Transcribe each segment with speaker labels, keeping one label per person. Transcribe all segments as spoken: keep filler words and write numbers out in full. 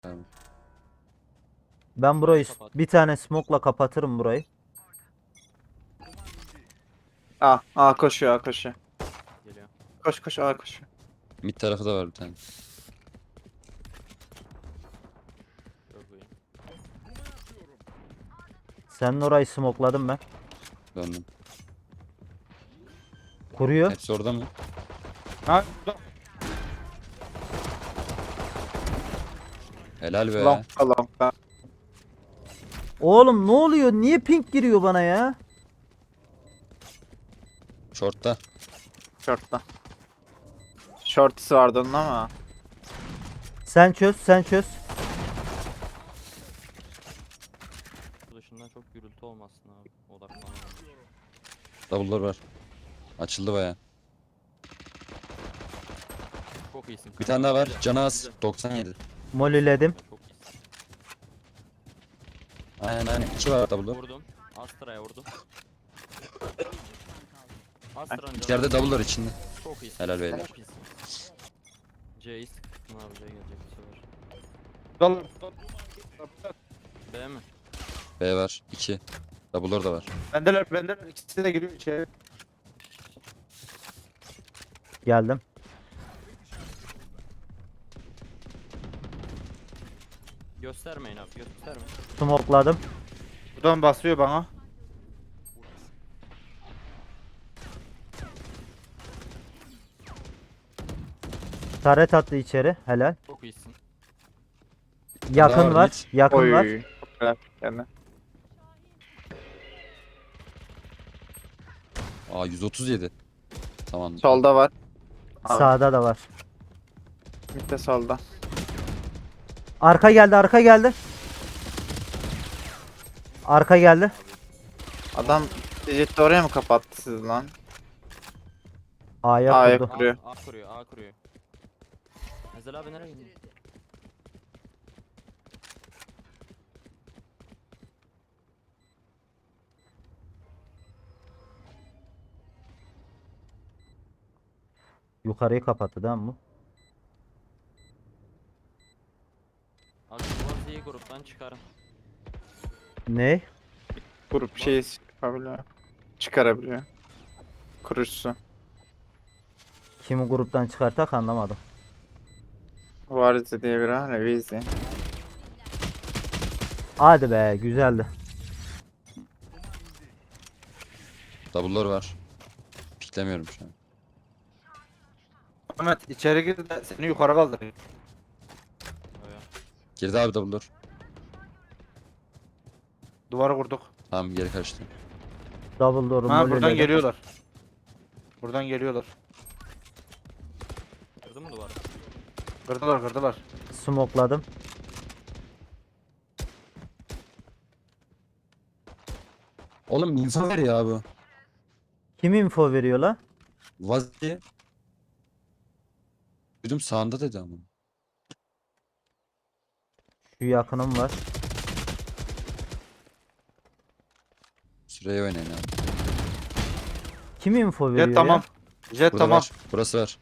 Speaker 1: Tamam.
Speaker 2: Ben burayı s-
Speaker 3: Kapat.
Speaker 2: bir tane smoke'la kapatırım burayı.
Speaker 4: A, A koşuyor, A koşuyor.
Speaker 3: Geliyor.
Speaker 4: Koş koş A koşuyor.
Speaker 1: Mid tarafı da var bir tane.
Speaker 3: Çok iyi.
Speaker 2: Senin orayı smoke'ladım ben.
Speaker 1: Döndüm.
Speaker 2: Kuruyor.
Speaker 1: Hepsi orada mı?
Speaker 4: Ha, burada.
Speaker 1: Helal be.
Speaker 4: Long'da long'da.
Speaker 2: Oğlum ne oluyor? Niye pink giriyor bana ya?
Speaker 1: Short'ta.
Speaker 4: Short'ta. Shorty'si vardı onun ama.
Speaker 2: Sen çöz, sen çöz.
Speaker 3: Bu dışından çok gürültü olmasın abi. Odaklanamam.
Speaker 1: Double'lar var. Açıldı baya.
Speaker 3: Çok iyisin.
Speaker 1: Bir tane daha var.
Speaker 3: Güzel,
Speaker 1: Canı az.
Speaker 3: güzel.
Speaker 1: doksan yedi.
Speaker 2: Molly'ledim.
Speaker 3: Çok iyisin.
Speaker 1: Aynen aynen. İki var double'lar.
Speaker 3: Vurdum. Astra'ya vurdum. Astra'nın canı
Speaker 1: İçeride double'lar içinde.
Speaker 3: çok iyisin.
Speaker 1: Helal beyler.
Speaker 3: Çok iyisin. C'yi sıktın abi, C gelecek bu sefer.
Speaker 4: Dal.
Speaker 3: B mi?
Speaker 1: B var. iki. Double'lar da var.
Speaker 4: Bendeler, bendeler. İkisi de giriyor içeri.
Speaker 2: Geldim.
Speaker 3: Göstermeyin abi, göstermeyin.
Speaker 2: Smoke'ladım.
Speaker 4: Buradan basıyor bana.
Speaker 2: Taret attı içeri. Helal.
Speaker 3: Çok iyisin.
Speaker 2: Yakın
Speaker 1: Daha var,
Speaker 2: var.
Speaker 1: mid.
Speaker 2: Yakın var.
Speaker 4: Oy. Çok güzel. Yani.
Speaker 1: Aa yüz otuz yedi. Tamam.
Speaker 4: Solda var. Abi.
Speaker 2: Sağda da var.
Speaker 4: Bir de solda.
Speaker 2: Arka geldi, arka geldi. Arka geldi.
Speaker 4: Adam Digit'i oraya mı kapattı siz lan?
Speaker 2: A'ya
Speaker 4: A'ya
Speaker 2: kurdu.
Speaker 3: A,
Speaker 4: Kuruyor.
Speaker 3: A kuruyor, A kuruyor. Ezel abi nereye gidiyor?
Speaker 2: Yukarıyı kapattı değil mi bu?
Speaker 3: Abi Şubat'ı gruptan çıkarın.
Speaker 2: Ne?
Speaker 4: Grup şey yapabiliyor. Çıkarabiliyor. Kurucusu.
Speaker 2: Kimi gruptan çıkartak anlamadım.
Speaker 4: Varize diye biri var ya, Vizi.
Speaker 2: Hadi be, güzeldi.
Speaker 1: Double'lar var. Piklemiyorum şu an.
Speaker 5: Ahmet içeri gir de seni yukarı kaldırayım.
Speaker 3: Öyle.
Speaker 1: Girdi abi double'lar.
Speaker 5: Duvarı kurduk.
Speaker 1: Tamam geri kaçtı.
Speaker 2: Double door'u
Speaker 5: Ha buradan
Speaker 2: molly'ledim.
Speaker 5: geliyorlar. Buradan geliyorlar.
Speaker 3: Kırdı mı duvarı?
Speaker 5: Kırdılar kırdılar.
Speaker 2: Smoke'ladım.
Speaker 1: Oğlum info ver ya bu.
Speaker 2: Kim info veriyor la?
Speaker 1: Vazi. Duydum sağında dedi ama.
Speaker 2: Şu yakınım var.
Speaker 1: Süreye oynayın abi.
Speaker 2: Kim info veriyor
Speaker 5: Jet tamam.
Speaker 2: ya?
Speaker 5: Jet
Speaker 1: Burada
Speaker 5: tamam.
Speaker 1: var. Burası var.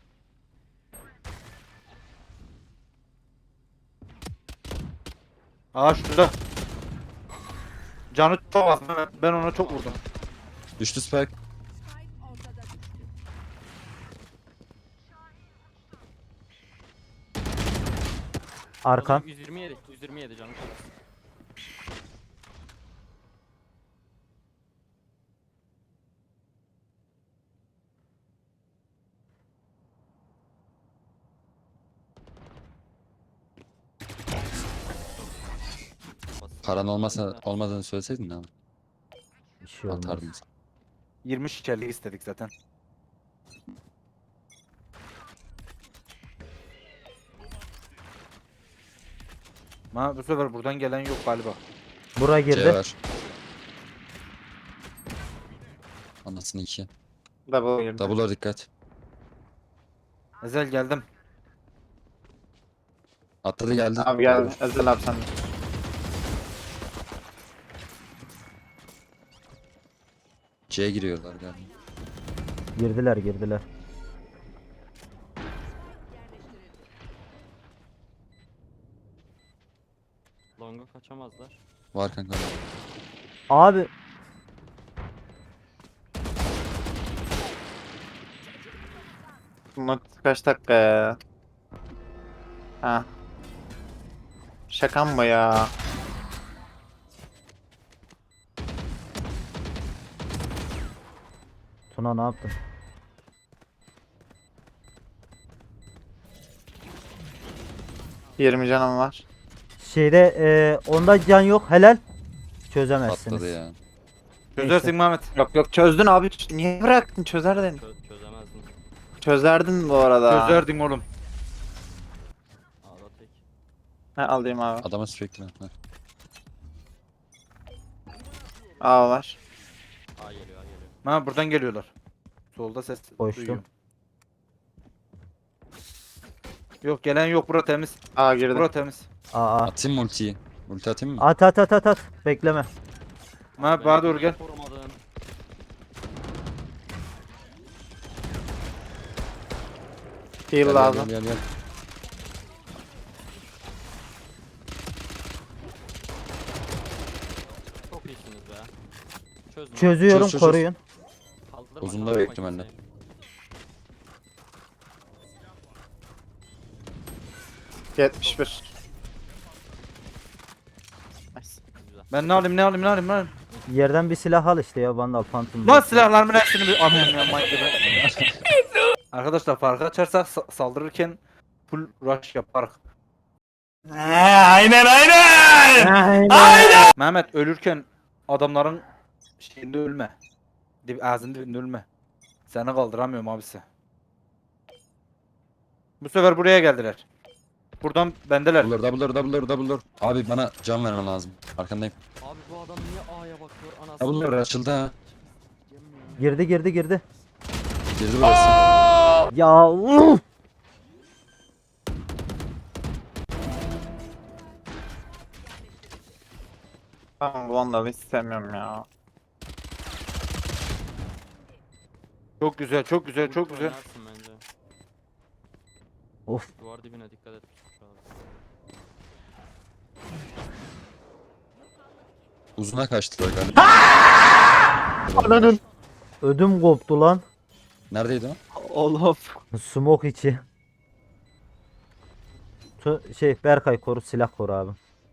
Speaker 5: Aa şurada. Canı çok az. Ben- Ben ona çok vurdum.
Speaker 1: Düştü spike.
Speaker 2: Arkan.
Speaker 3: yüz yirmi yedi, yüz yirmi yedi canım. çok az. Basit.
Speaker 1: Paran olmasa olmadığını söyleseydin abi.
Speaker 2: Bir şey olmaz.
Speaker 1: Atardım.
Speaker 5: yirmi şişerlik istedik zaten. Ma bu sefer buradan gelen yok galiba.
Speaker 2: Bura
Speaker 1: C
Speaker 2: girdi.
Speaker 1: var. Anasını iki.
Speaker 4: Double girdi.
Speaker 1: Double'lar dikkat.
Speaker 5: Ezel geldim.
Speaker 1: Atladı geldi.
Speaker 4: Abi gel. Ezel abi sen. de.
Speaker 1: C'ye giriyorlar galiba.
Speaker 2: Girdiler, girdiler.
Speaker 3: Long'a kaçamazlar.
Speaker 1: Var kanka.
Speaker 2: Abi
Speaker 4: Bunlar kaç dakika ya? Ha. Şaka mı ya?
Speaker 2: Tuna ne yaptın?
Speaker 4: yirmi canım var.
Speaker 2: Şeyde e, onda can yok helal. Çözemezsiniz.
Speaker 1: Patladı ya.
Speaker 5: Çözersin Mehmet.
Speaker 4: Yok yok çözdün abi. Ç- Niye bıraktın? Çözerdin.
Speaker 3: Çö çözemezdim.
Speaker 4: Çözerdin bu arada.
Speaker 5: Çözerdin oğlum.
Speaker 3: A'da tek.
Speaker 4: Ha, alayım abi.
Speaker 1: Adama sürekli. Ha.
Speaker 4: Aa var.
Speaker 3: A geliyor A geliyor.
Speaker 5: Ha buradan geliyorlar. Solda ses
Speaker 2: Koştum.
Speaker 5: duyuyorum. Yok gelen yok, bura temiz.
Speaker 4: Aa girdi.
Speaker 5: Bura temiz.
Speaker 2: Aa, aa.
Speaker 1: Atayım mı ultiyi? Ulti atayım mı?
Speaker 2: At at at at at. Bekleme.
Speaker 5: Mehmet bana doğru gel.
Speaker 3: Korumadın.
Speaker 4: Heal
Speaker 1: Gel,
Speaker 4: lazım.
Speaker 1: Gel, gel, gel.
Speaker 3: Çok iyisiniz be. Çözün. abi.
Speaker 2: Çözüyorum
Speaker 1: Çöz, çöz, çöz.
Speaker 2: koruyun.
Speaker 3: Kaldırma,
Speaker 1: Uzunda
Speaker 3: kaldırma
Speaker 1: büyük ihtimalle.
Speaker 3: kimseyi.
Speaker 4: yetmiş bir. Nice.
Speaker 3: Güzel.
Speaker 5: Ben ne alayım ne alayım ne alayım ne alayım.
Speaker 2: Yerden bir silah al işte ya Vandal Phantom.
Speaker 5: Lan silahlarımın hepsini bir alayım ya manyak gibi. Arkadaşlar farkı açarsak sa- saldırırken full rush yaparız.
Speaker 2: Aynen.
Speaker 5: Mehmet ölürken adamların şeyinde ölme. Dib ağzının dibinde ölme. Seni kaldıramıyorum abisi. Bu sefer buraya geldiler. Buradan bendeler.
Speaker 1: Double door, double door, double door, double door. Abi bana can vermen lazım. Arkandayım.
Speaker 3: Abi bu adam niye A'ya bakıyor anasını?
Speaker 1: Double door açıldı ha.
Speaker 2: Girdi girdi girdi.
Speaker 1: Girdi burası.
Speaker 2: Ya uf!
Speaker 4: Tamam bu Vandal'ı istemiyorum ya.
Speaker 5: Çok güzel çok güzel çok
Speaker 3: Ulti
Speaker 5: güzel.
Speaker 3: oynarsın bence.
Speaker 2: Of.
Speaker 3: Duvar dibine dikkat et. Şu an.
Speaker 1: Uzuna kaçtılar galiba.
Speaker 4: Ananın.
Speaker 2: Ödüm koptu lan.
Speaker 1: Neredeydi o?
Speaker 4: Oğlum.
Speaker 2: Smoke içi. Tu şey Berkay koru silah koru abi.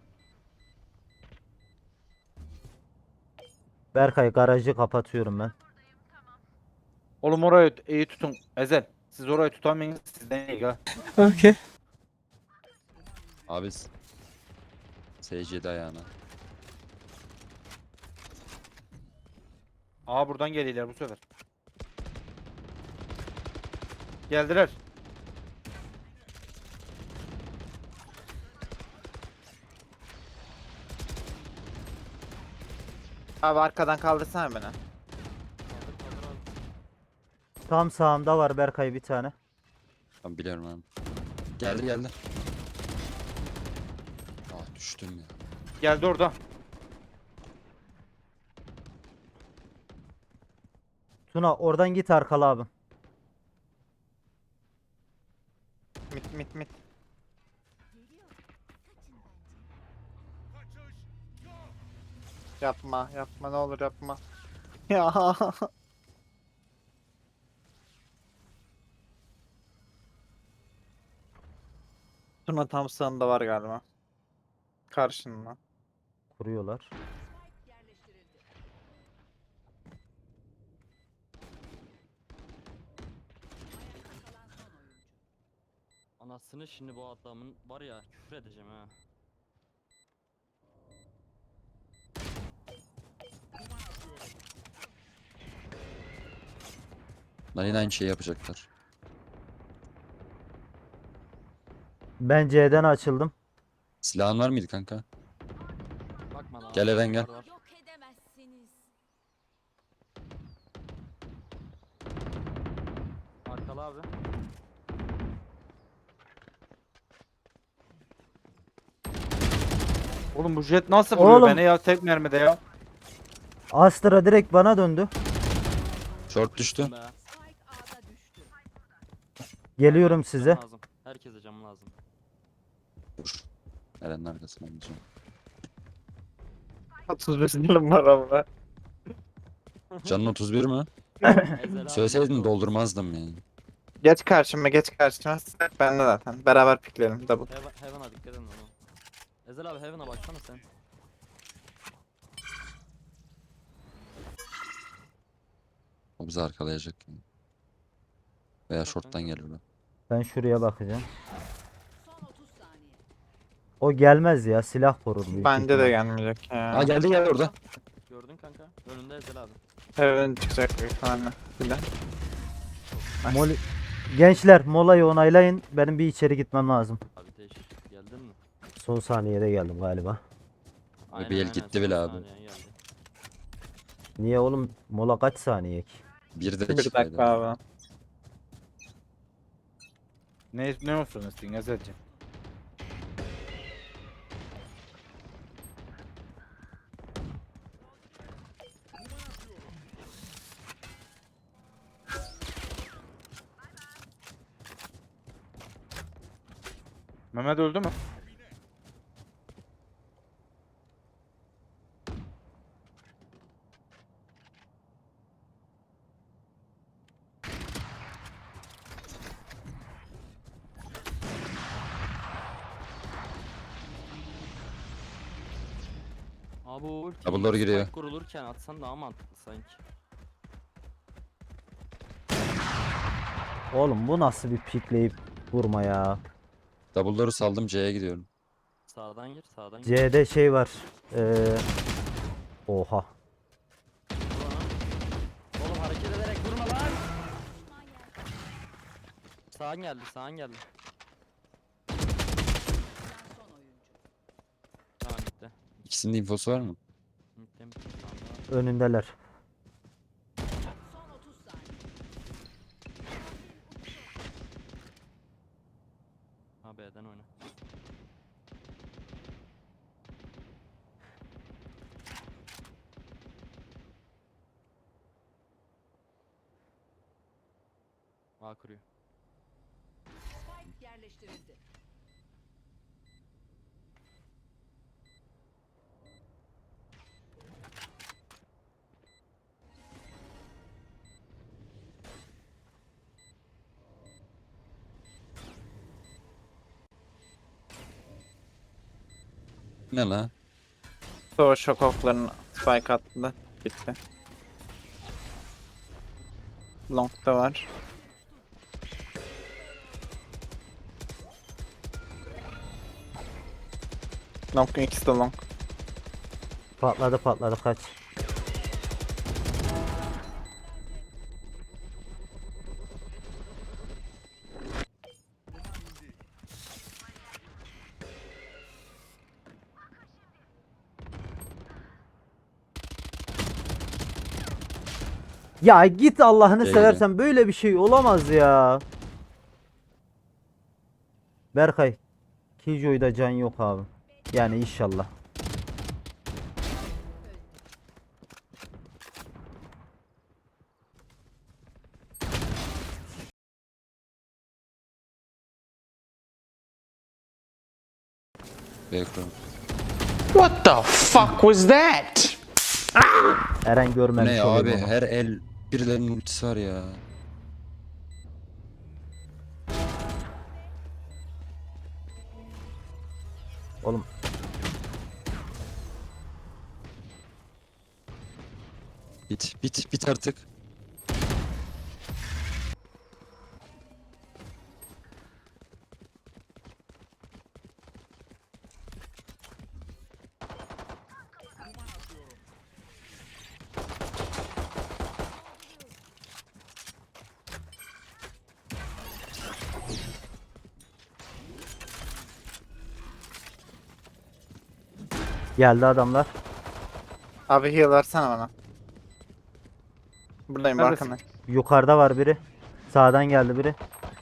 Speaker 2: Berkay garajı kapatıyorum ben.
Speaker 5: Oğlum orayı iyi tutun. Ezel. Siz orayı tutamayın. Sizden iyi ha.
Speaker 1: Abi. S C'de ayağına.
Speaker 5: Aa buradan geliyorlar bu sefer. Geldiler.
Speaker 4: Abi arkadan kaldırsana beni.
Speaker 3: Kaldır kaldır abi.
Speaker 2: Tam sağımda var Berkay bir tane.
Speaker 1: Ben biliyorum abi. Geldi geldi. Aa düştüm ya.
Speaker 5: Geldi orada.
Speaker 2: Tuna oradan git arkalı abi.
Speaker 4: Mit mit mit. Yapma yapma ne olur yapma. Ya. Tuna tam sağında var galiba. Karşında.
Speaker 2: Kuruyorlar.
Speaker 3: Anasını şimdi bu adamın var ya küfür edeceğim ha.
Speaker 1: Lan yine aynı şeyi yapacaklar.
Speaker 2: Ben C'den açıldım.
Speaker 1: Silahın var mıydı kanka?
Speaker 3: Bakma lan.
Speaker 1: Gel Eren, gel.
Speaker 3: Var, var.
Speaker 6: Yok edemezsiniz.
Speaker 3: Arkalı abi.
Speaker 5: Oğlum bu jet nasıl vuruyor
Speaker 2: Oğlum.
Speaker 5: beni ya tek mermide ya.
Speaker 2: Astra direkt bana döndü.
Speaker 1: Short düştü.
Speaker 3: Be.
Speaker 6: Spike A'da düştü.
Speaker 2: Geliyorum
Speaker 3: Can
Speaker 2: size.
Speaker 3: lazım. Herkese cam lazım.
Speaker 1: Dur. Eren'in arkasına gideceğim.
Speaker 4: otuz beş yılım var ama.
Speaker 1: Canın otuz bir mi?
Speaker 3: Ezel abi
Speaker 1: Söyleseydin
Speaker 3: nasıl-
Speaker 1: doldurmazdım yani.
Speaker 4: Geç karşıma geç karşıma. Ben de zaten. Beraber pikleyelim double.
Speaker 3: Heaven, Heaven'a dikkat edin onu. Ezel abi Heaven'a baksana sen.
Speaker 1: O bizi arkalayacak yani. Veya short'tan gelir o.
Speaker 2: Ben şuraya bakacağım.
Speaker 6: Son otuz saniye.
Speaker 2: O gelmez ya. Silah korur büyük
Speaker 4: Bence de
Speaker 2: ihtimal.
Speaker 4: gelmeyecek ya.
Speaker 1: Aa geldi geldi orada.
Speaker 3: Gördün kanka. Önünde Ezel abi.
Speaker 4: Evet çıkacak büyük ihtimalle. Bir de.
Speaker 2: Mol- Gençler molayı onaylayın. Benim bir içeri gitmem lazım.
Speaker 3: Abi değiş. Geldin mi?
Speaker 2: Son saniyede geldim galiba.
Speaker 3: Aynen,
Speaker 1: bir el
Speaker 3: aynen,
Speaker 1: gitti bile
Speaker 3: son
Speaker 1: abi.
Speaker 3: saniyen geldi.
Speaker 2: Niye oğlum? Mola kaç saniye ki?
Speaker 1: Bir
Speaker 4: Bir
Speaker 1: dakikaydı.
Speaker 4: dakika abi.
Speaker 5: Ne ne olsun istiyorsun Ezel'cim? Mehmet öldü mü?
Speaker 3: Abi o ultiyi
Speaker 1: Double'ları giriyor.
Speaker 3: spike kurulurken atsan daha mantıklı sanki.
Speaker 2: Oğlum bu nasıl bir pikleyip vurma ya?
Speaker 1: Double'ları saldım C'ye gidiyorum.
Speaker 3: Sağdan gir, sağdan gir.
Speaker 2: C'de şey var. Ee... Oha.
Speaker 3: Vur ona. Oğlum hareket ederek vurma lan.
Speaker 6: Düşman yerde.
Speaker 3: Sağın geldi, sağın geldi.
Speaker 6: Kalan son oyuncu.
Speaker 3: Tamam bitti.
Speaker 1: İkisinin de infosu var mı?
Speaker 3: Bitti, bitti. Tamam,
Speaker 2: Önündeler.
Speaker 6: Son otuz saniye.
Speaker 3: ha B'den oyna. A kuruyor.
Speaker 6: Spike yerleştirildi.
Speaker 1: Ne la?
Speaker 4: Sonra şok oklarını spike attı. Bitti. Long'da var. Long'un ikisi de long.
Speaker 2: Patladı patladı kaç. Ya git Allah'ını
Speaker 1: Şey
Speaker 2: seversen böyle bir şey olamaz ya. Berkay. Killjoy'da can yok abi. Yani inşallah.
Speaker 1: B kurum.
Speaker 7: What the fuck was that?
Speaker 2: Eren
Speaker 1: Bu
Speaker 2: görmemiş
Speaker 1: ne ya
Speaker 2: olayım
Speaker 1: abi?
Speaker 2: ama.
Speaker 1: Her el birilerinin ultisi var ya.
Speaker 2: Oğlum
Speaker 1: Bit bit bit artık.
Speaker 2: geldi adamlar.
Speaker 4: Abi heal versene bana. Buradayım
Speaker 5: Neredesin?
Speaker 4: arkanda.
Speaker 2: Yukarıda var biri. Sağdan geldi biri.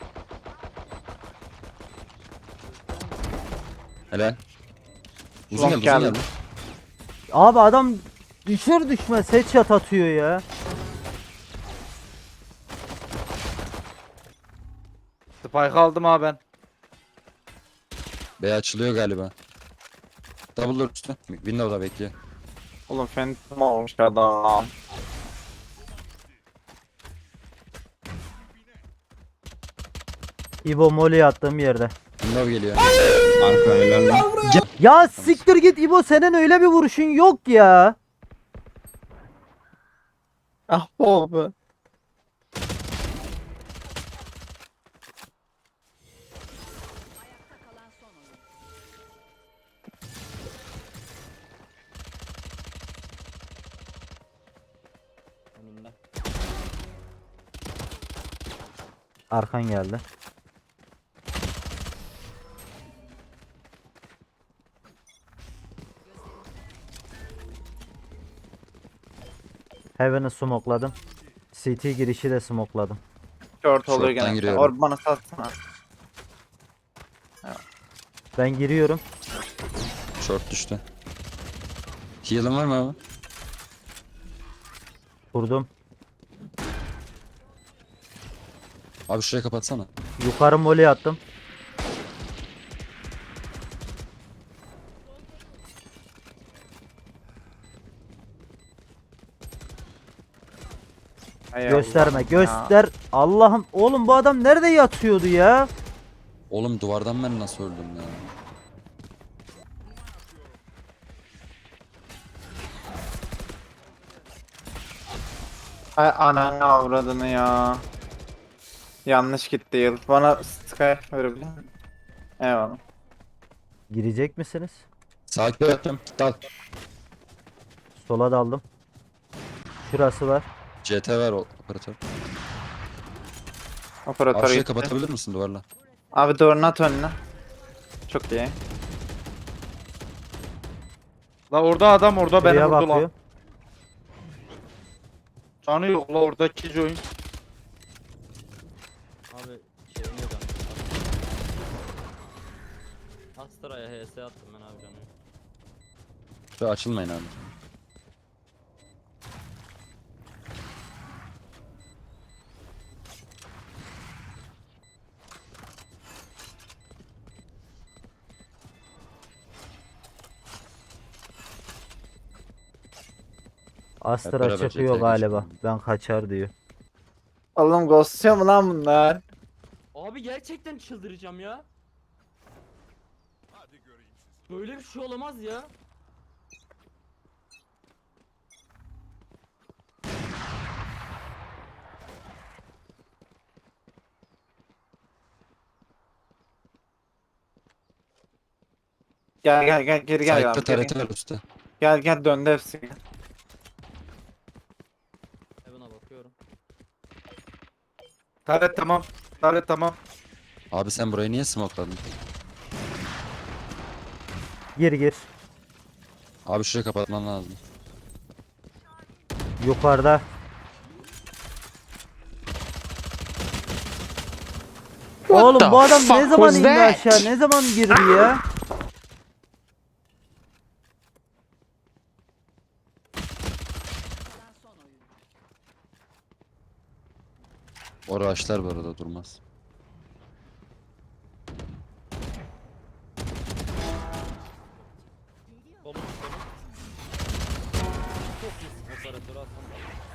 Speaker 1: Helal. Uzun
Speaker 4: Long
Speaker 1: geldi uzun
Speaker 4: geldi.
Speaker 1: geldi.
Speaker 2: Abi adam düşür düşmez headshot atıyor ya.
Speaker 5: Spike aldım ha ben.
Speaker 1: B açılıyor galiba. Double'lar üstü. Window'da bekliyor.
Speaker 4: Oğlum Phantom olmuş adam.
Speaker 2: İbo Molly'yi attığım yerde.
Speaker 1: Window geliyor.
Speaker 8: Arka helal lan.
Speaker 2: Ya siktir git İbo, senin öyle bir vuruşun yok ya.
Speaker 4: Ah bu be.
Speaker 6: Ayakta kalan son oyuncu.
Speaker 3: Önünde.
Speaker 2: Arkan geldi. Heaven'ı smokladım. C T girişi de smokladım.
Speaker 4: Short oluyor
Speaker 1: Short'tan
Speaker 4: gene.
Speaker 1: giriyorum.
Speaker 4: Orb bana satsana.
Speaker 2: Ben giriyorum.
Speaker 1: Short düştü. Heal'ın var mı abi?
Speaker 2: Vurdum.
Speaker 1: Abi şurayı kapatsana.
Speaker 2: Yukarı Molly attım.
Speaker 4: Hay
Speaker 2: Gösterme,
Speaker 4: Allah'ım ya.
Speaker 2: göster. Allah'ım, oğlum bu adam nerede yatıyordu ya?
Speaker 1: Oğlum duvardan ben nasıl öldüm ya?
Speaker 4: Ay ananı avradını ya. Yanlış gitti yıl. Bana Sky verebilir misin? Eyvallah.
Speaker 2: Girecek misiniz?
Speaker 1: Sakin yaptım. Dal.
Speaker 2: Sola daldım. Şurası var.
Speaker 1: C T ver o operatör.
Speaker 4: Operatör
Speaker 1: Abi şurayı
Speaker 4: gitti.
Speaker 1: kapatabilir misin duvarla?
Speaker 4: Abi duvarını at önüne. Çok iyi.
Speaker 5: La orada adam orada beni
Speaker 2: Şuraya
Speaker 5: vurdu
Speaker 2: bakıyor.
Speaker 5: lan. Canı yok la orada Killjoy'un.
Speaker 3: Abi şey yok abi. Astra'ya H S attım ben abi canım.
Speaker 1: Şuraya açılmayın abi.
Speaker 2: Astra
Speaker 1: beraber
Speaker 2: çıkıyor
Speaker 1: C T'ye
Speaker 2: galiba.
Speaker 1: geçelim.
Speaker 2: Ben kaçar diyor.
Speaker 4: Oğlum ghostluyor mu lan bunlar?
Speaker 3: Abi gerçekten çıldıracağım ya. Böyle bir şey olamaz ya.
Speaker 4: Gel gel gel geri gel.
Speaker 1: Side'da
Speaker 4: Gel,
Speaker 1: T R
Speaker 4: gel,
Speaker 1: T ver üstte.
Speaker 4: gel gel döndü hepsi. Gel.
Speaker 3: Heaven'a bakıyorum.
Speaker 5: Taret tamam. Taret tamam.
Speaker 1: Abi sen burayı niye smokeladın?
Speaker 2: Gir gir.
Speaker 1: Abi şurayı kapatman lazım.
Speaker 2: Yukarıda.
Speaker 7: What
Speaker 2: Oğlum
Speaker 7: the
Speaker 2: bu adam ne
Speaker 7: fuck
Speaker 2: zaman
Speaker 7: was
Speaker 2: indi
Speaker 7: that?
Speaker 2: aşağı? Ne zaman girdi ya?
Speaker 6: Kalan son oyuncu.
Speaker 1: O rush'lar bu arada durmaz.
Speaker 3: Solun solun. Çok iyisin operatörü atsana.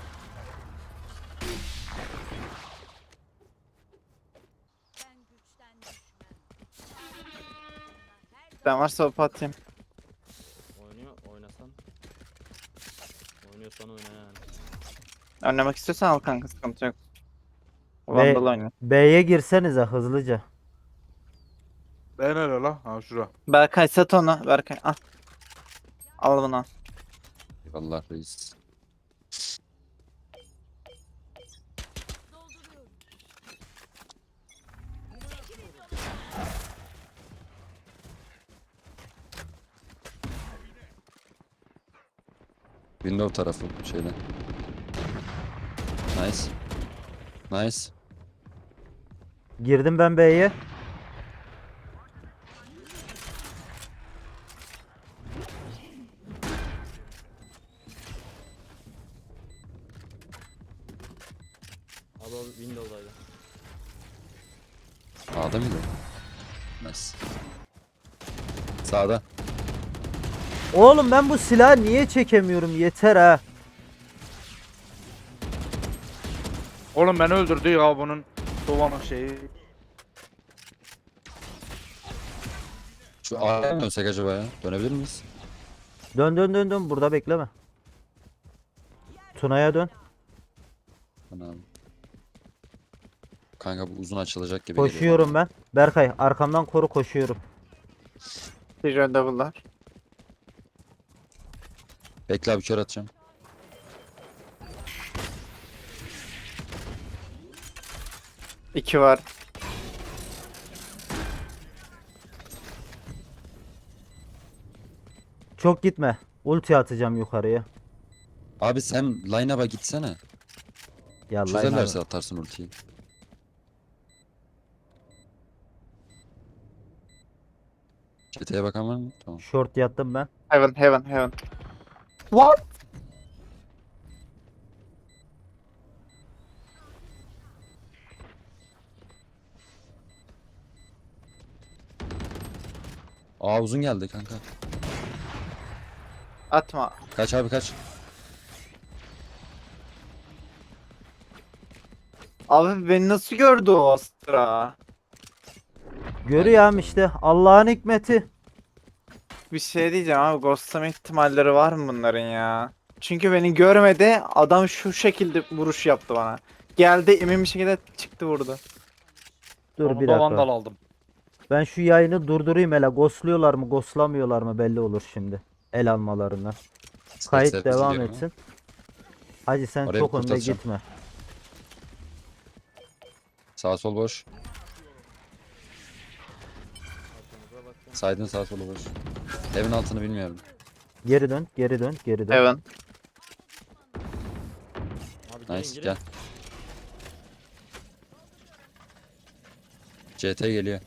Speaker 6: Ben güçten düşmem. Her
Speaker 4: Ben varsa hop atayım.
Speaker 3: Oynuyor oynasan. Oynuyorsan oyna yani.
Speaker 4: Önlemek istiyorsan al kanka, sıkıntı yok.
Speaker 2: Ve-
Speaker 4: Vandal oynuyor.
Speaker 2: B'ye girsenize hızlıca.
Speaker 5: Ben öyle la. Ha şura.
Speaker 4: Berkay sat onu. Berkay al. Al bunu al.
Speaker 1: Eyvallah reis.
Speaker 6: dolduruyorum.
Speaker 1: Window tarafı şeyde. Nice. Nice.
Speaker 2: Girdim ben B'ye.
Speaker 3: Abi o Windows'daydı.
Speaker 1: A'da mıydı? Nice. Sağda.
Speaker 2: Oğlum ben bu silahı niye çekemiyorum? Yeter ha.
Speaker 5: Oğlum beni öldürdü ya bunun Sova'nın şeyi.
Speaker 1: Şu A'ya mı dönsek acaba ya? Dönebilir miyiz?
Speaker 2: Dön dön dön dön burada bekleme. Tuna'ya dön.
Speaker 1: Anam. Kanka bu uzun açılacak gibi geliyor
Speaker 2: Koşuyorum ben. Berkay arkamdan koru, koşuyorum.
Speaker 4: Bir double'lar.
Speaker 1: bana. Bekle abi, kör atacağım.
Speaker 4: İki var.
Speaker 2: Çok gitme. Ulti atacağım yukarıya.
Speaker 1: Abi sen line-up'a gitsene.
Speaker 2: Ya
Speaker 1: Çözerlerse atarsın ultiyi. Çeteye bakan var mı? Tamam.
Speaker 2: Short yattım ben.
Speaker 4: Heaven, heaven, heaven. What?
Speaker 1: Aa uzun geldi kanka.
Speaker 4: Atma.
Speaker 1: Kaç abi kaç.
Speaker 4: Abi beni nasıl gördü o Astra?
Speaker 2: Görüyorum işte Allah'ın hikmeti.
Speaker 4: Bir şey diyeceğim abi, ghostlama ihtimalleri var mı bunların ya? Çünkü beni görmedi, adam şu şekilde vuruş yaptı bana. Geldi emin bir şekilde çıktı vurdu.
Speaker 2: Dur
Speaker 5: Onu
Speaker 2: bir
Speaker 5: da
Speaker 2: dakika.
Speaker 5: vandal aldım.
Speaker 2: Ben şu yayını durdurayım hele. Ghostluyorlar mı, ghostlamıyorlar mı belli olur şimdi. El almalarına. Kayıt
Speaker 1: Ses-
Speaker 2: devam
Speaker 1: gidiyorum
Speaker 2: etsin. Hacı sen
Speaker 1: Oraya
Speaker 2: çok önde
Speaker 1: kurtaracağım.
Speaker 2: gitme.
Speaker 1: Sağ sol boş.
Speaker 3: Arkamıza bakın.
Speaker 1: Side'ın sağ solu boş. Evin altını bilmiyorum.
Speaker 2: Geri dön, geri dön, geri dön.
Speaker 4: Heaven.
Speaker 3: Abi girin
Speaker 1: Nice
Speaker 3: girin.
Speaker 1: gel. C T geliyor.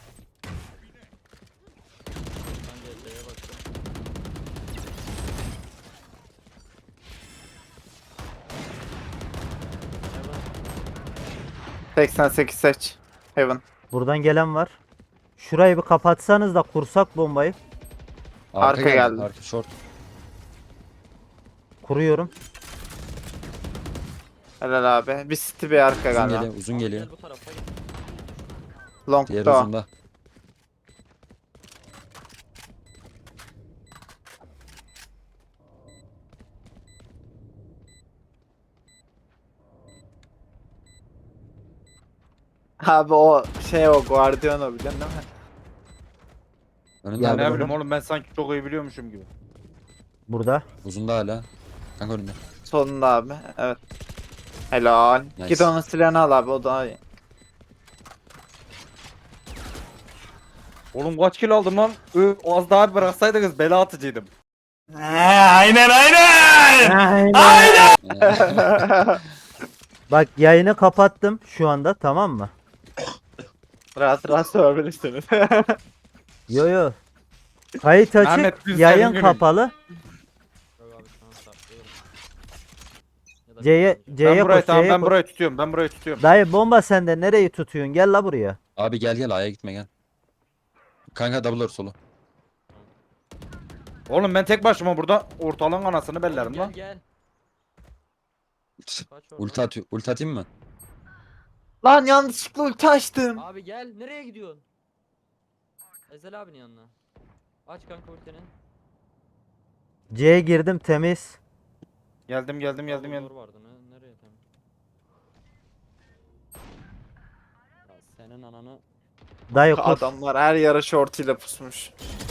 Speaker 3: Ben de C'ye bakıyorum. Heaven.
Speaker 4: seksen sekiz seç. Heaven.
Speaker 2: Buradan gelen var. Şurayı bir kapatsanız da kursak bombayı.
Speaker 4: Arka geldi.
Speaker 1: Arka short.
Speaker 2: Kuruyorum.
Speaker 4: Helal abi. Bir city bir arka
Speaker 1: Uzun
Speaker 4: galiba.
Speaker 1: geliyor. Uzun
Speaker 3: Abi
Speaker 1: geliyor.
Speaker 3: gel bu tarafa gel.
Speaker 4: Long
Speaker 1: Diğer
Speaker 4: da.
Speaker 1: uzunda.
Speaker 4: Abi o şey o Guardiano biliyorsun değil mi?
Speaker 1: Önünde
Speaker 2: Ya
Speaker 1: abi.
Speaker 5: Ne
Speaker 2: bunu-
Speaker 5: bileyim oğlum, ben sanki çok iyi biliyormuşum gibi.
Speaker 2: Burada.
Speaker 1: Uzunda hala. Kanka önünde.
Speaker 4: Solunda abi. Evet. Helal.
Speaker 1: Nice.
Speaker 4: Git onun silahını al abi, o daha iyi.
Speaker 5: Oğlum kaç kilo aldım lan? Ö, az daha bir bıraksaydınız bela atıcıydım.
Speaker 2: Bak yayını kapattım şu anda, tamam mı?
Speaker 4: Rahat rahat sorabilirsiniz.
Speaker 2: Yo yo. Kayıt açık,
Speaker 5: Ahmet, biz
Speaker 2: yayın
Speaker 5: senin günün.
Speaker 2: kapalı.
Speaker 3: Yok abi şu an saklıyorum. Ya da
Speaker 2: C'ye
Speaker 3: bir-
Speaker 2: C'ye
Speaker 5: Ben burayı
Speaker 2: koş,
Speaker 5: tamam
Speaker 2: C'ye
Speaker 5: ben
Speaker 2: koş.
Speaker 5: burayı tutuyorum, ben burayı tutuyorum.
Speaker 2: Dayı bomba sende, nereyi tutuyorsun? Gel la buraya.
Speaker 1: Abi gel gel A'ya gitme gel. Kanka double door solu.
Speaker 5: Oğlum ben tek başıma burada ortalığın anasını bellerim
Speaker 3: Gel
Speaker 5: lan.
Speaker 3: gel. Kaç oradan.
Speaker 1: Ulti atıyor. Ulti atayım mı?
Speaker 4: Lan yanlışlıkla ulti açtım.
Speaker 3: Abi gel nereye gidiyorsun? Ezel abinin yanına. Aç kanka ultini.
Speaker 2: C'ye girdim, temiz.
Speaker 5: Geldim geldim geldim
Speaker 3: Double
Speaker 5: geldim.
Speaker 3: door vardı ne? Nereye tam? Ya senin ananı.
Speaker 2: Dayı kur.
Speaker 4: Adamlar her yara shortuyla pusmuş.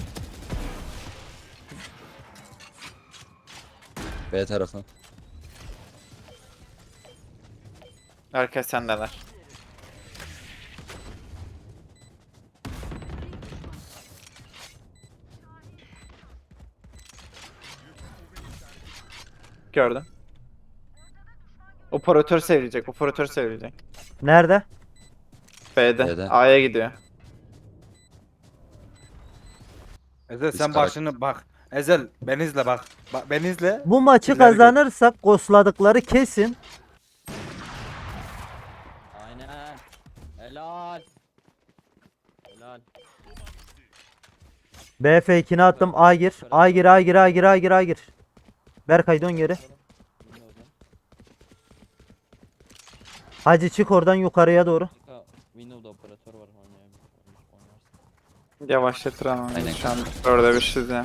Speaker 1: B tarafı.
Speaker 4: Herkes sendeler. Gördüm. Operatör sevilecek, operatör sevilecek.
Speaker 2: Nerede?
Speaker 4: B'de,
Speaker 1: B'de.
Speaker 4: A'ya gidiyor.
Speaker 5: Ezel
Speaker 1: Biz
Speaker 5: sen
Speaker 1: karak-
Speaker 5: başını bak. Ezel beni izle bak. Bak beni izle.
Speaker 2: Bu maçı
Speaker 5: İleri gel.
Speaker 2: kazanırsak ghostladıkları kesin.
Speaker 3: Aynen. Helal. Helal.
Speaker 2: B fake'ini attım. A gir. A gir, A gir, A gir, A gir, A gir. Berkay dön geri.
Speaker 3: Windows'dan.
Speaker 2: Hacı çık oradan yukarıya doğru.
Speaker 3: Kanka Windows'da operatör var oynayabilir. Oynarsın.
Speaker 4: Yavaşlatır ama.
Speaker 1: Aynen.
Speaker 4: Şu an orada bir şey ya.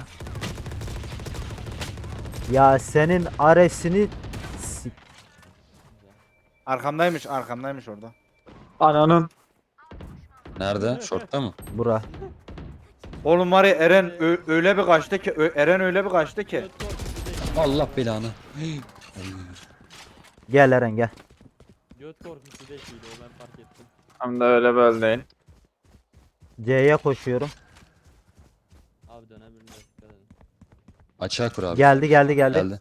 Speaker 2: Ya senin Ares'ini s-
Speaker 5: Arkamdaymış arkamdaymış orada.
Speaker 4: Ananın.
Speaker 1: Nerede? Short'ta mı?
Speaker 2: bura.
Speaker 5: Oğlum var ya Eren ö- öyle bir kaçtı ki Ö- Eren öyle bir kaçtı ki.
Speaker 3: Göt korkusu değil.
Speaker 1: Allah belanı.
Speaker 2: Gel Eren gel.
Speaker 3: Göt korkusu değil o ben fark ettim.
Speaker 4: Hem de öyle böyle değil.
Speaker 2: C'ye koşuyorum.
Speaker 3: Abi dönebilir dikkat edin.
Speaker 1: Açığa kur abi.
Speaker 2: Geldi geldi geldi.
Speaker 1: Geldi.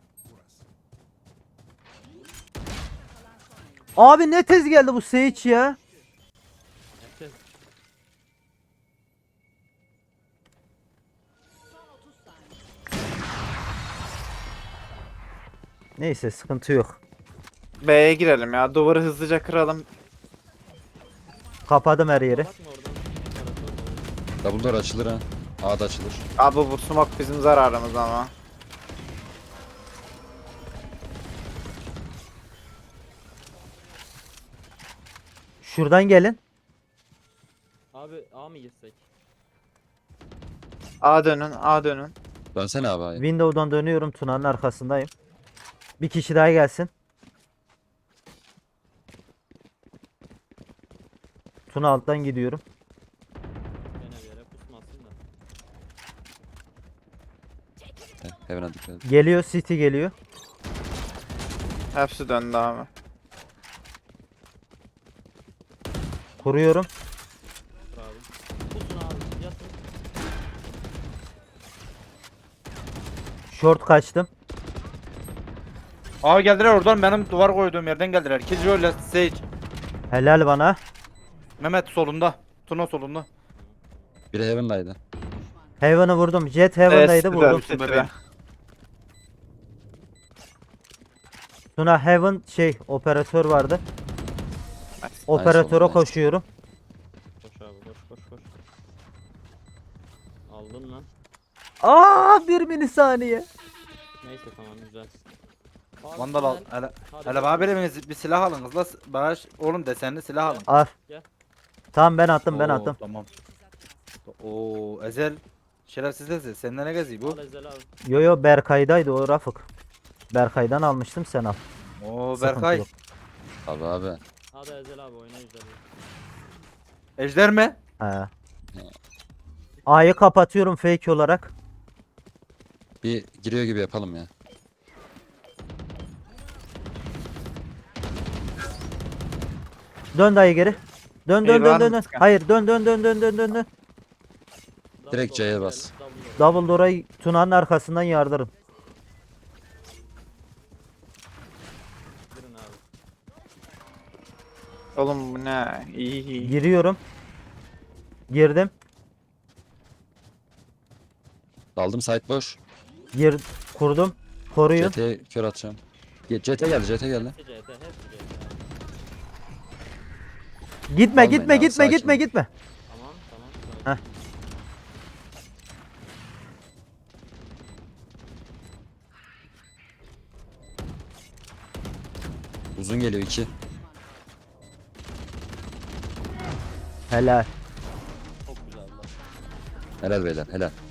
Speaker 2: Abi ne tez geldi bu Sage ya.
Speaker 3: Nefes.
Speaker 2: Neyse sıkıntı yok.
Speaker 4: B'ye girelim ya. Duvarı hızlıca kıralım.
Speaker 2: Kapadım her yeri.
Speaker 3: Bakma oradan. Operatör var.
Speaker 1: Double door açılır ha. A da açılır.
Speaker 4: Abi bu smoke bizim zararımız ama.
Speaker 2: Şuradan gelin.
Speaker 3: Abi A mı girsek?
Speaker 4: A dönün, A dönün.
Speaker 1: Dönsene abi A'ya.
Speaker 2: Window'dan dönüyorum. Tuna'nın arkasındayım. Bir kişi daha gelsin. Tuna alttan gidiyorum.
Speaker 3: Gene bir yere pusmasın da.
Speaker 1: Heaven'a dikkat et.
Speaker 2: Geliyor, City geliyor.
Speaker 4: Hepsi döndü abi.
Speaker 2: Kuruyorum.
Speaker 3: Dur abi. Pusun abi yatın.
Speaker 2: Short kaçtım.
Speaker 5: Aa geldiler oradan benim duvar koyduğum yerden geldiler. Killjoy ile Sage.
Speaker 2: Helal bana.
Speaker 5: Mehmet solunda. Tuna solunda.
Speaker 1: Biri Heaven'daydı.
Speaker 2: Heaven'ı vurdum. Jet Heaven'daydı
Speaker 4: Evet,
Speaker 2: vurdum.
Speaker 4: City'de,
Speaker 5: bebeğim.
Speaker 2: Tuna Heaven şey operatör vardı.
Speaker 4: Nice.
Speaker 2: Operatöre
Speaker 1: nice.
Speaker 2: koşuyorum.
Speaker 3: Koş abi koş koş koş. Aldın lan.
Speaker 2: Aa bir milisaniye.
Speaker 3: Neyse tamam güzel. Abi,
Speaker 5: Vandal al.
Speaker 3: tünel.
Speaker 5: Hele,
Speaker 3: Hadi
Speaker 5: hele
Speaker 3: bakalım.
Speaker 5: bana biriniz bir silah alın kızla. Bana ş- oğlum desenli silah alın.
Speaker 2: Al.
Speaker 3: Gel.
Speaker 2: Tamam ben attım ben
Speaker 5: Oo,
Speaker 2: attım.
Speaker 5: Tamam. Oo Ezel. Şerefsiz Ezel. Senden ne geziyor bu?
Speaker 3: Al Ezel abi.
Speaker 2: Yo yo Berkay'daydı o Rafık. Berkay'dan almıştım sen al.
Speaker 5: Oo
Speaker 2: Sıkıntı
Speaker 5: Berkay.
Speaker 2: yok.
Speaker 1: Abi abi.
Speaker 3: Hadi Ezel abi oyna Ezel.
Speaker 5: Ejder mi?
Speaker 2: He. A'yı kapatıyorum fake olarak.
Speaker 1: Bir giriyor gibi yapalım ya.
Speaker 2: Dön dayı geri. Dön dön
Speaker 4: İyi,
Speaker 2: dön
Speaker 4: var
Speaker 2: dön.
Speaker 4: mı
Speaker 2: dön.
Speaker 4: Sıkan?
Speaker 2: Hayır dön dön dön dön dön dön dön.
Speaker 1: Direkt C'ye bas.
Speaker 2: Double door'a Tuna'nın arkasından yardırın.
Speaker 3: Girin abi.
Speaker 4: Oğlum bu ne? İyi iyi.
Speaker 2: Giriyorum. Girdim.
Speaker 1: Daldım site boş.
Speaker 2: Gir kurdum. Koruyun.
Speaker 1: C T'ye kör atacağım. Ge- C T geldi C T geldi.
Speaker 3: Hepsi C T hepsi C T abi.
Speaker 2: Gitme
Speaker 1: Almayın
Speaker 2: gitme
Speaker 1: abi,
Speaker 2: gitme
Speaker 1: sakin
Speaker 2: gitme
Speaker 1: ol.
Speaker 2: gitme.
Speaker 3: Tamam tamam.
Speaker 2: Heh.
Speaker 1: Uzun geliyor iki.
Speaker 2: Helal.
Speaker 3: Çok güzel lan.
Speaker 1: Helal beyler helal.